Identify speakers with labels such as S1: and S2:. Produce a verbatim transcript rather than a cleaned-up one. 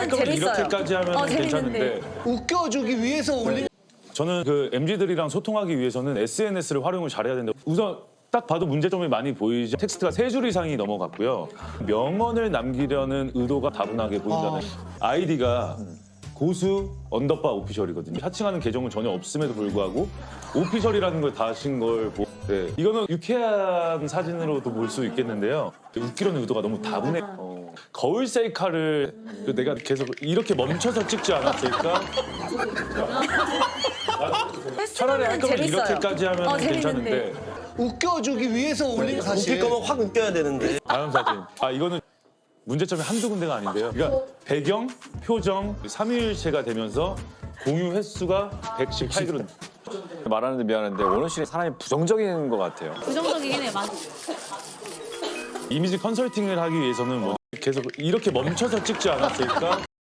S1: 할 거면
S2: 재밌어요.
S1: 이렇게까지 하면
S2: 어,
S1: 괜찮은데
S2: 재밌는데.
S3: 웃겨주기 위해서 올린.
S1: 저는 그 엠지들이랑 소통하기 위해서는 에스엔에스를 활용을 잘해야 된다. 우선 딱 봐도 문제점이 많이 보이죠. 텍스트가 세 줄 이상이 넘어갔고요. 명언을 남기려는 의도가 다분하게 보인다는. 아이디가 고수 언더바 오피셜이거든요. 하칭하는 계정은 전혀 없음에도 불구하고 오피셜이라는 걸 다신 걸 보고 네. 이거는 유쾌한 사진으로도 볼 수 있겠는데요. 웃기려는 의도가 너무 다분해. 어. 거울 셀카를 내가 계속 이렇게 멈춰서 찍지 않았을까? 차라리 할 거면
S2: 재밌어요.
S1: 이렇게까지 하면
S2: 어,
S1: 괜찮은데.
S2: 재밌는데.
S3: 웃겨주기 위해서 올린 거 사실.
S4: 웃길 거면 확 웃겨야 되는데.
S1: 다음 사진. 아 이거는 문제점이 한두 군데가 아닌데요. 그러니까 배경, 표정, 삼위일체가 되면서 공유 횟수가 백십팔 개로.
S5: 말하는데 미안한데 원호 씨는 사람이 부정적인 것 같아요.
S2: 부정적이긴 해, 맞아.
S1: 이미지 컨설팅을 하기 위해서는 뭐 계속 이렇게 멈춰서 찍지 않았을까?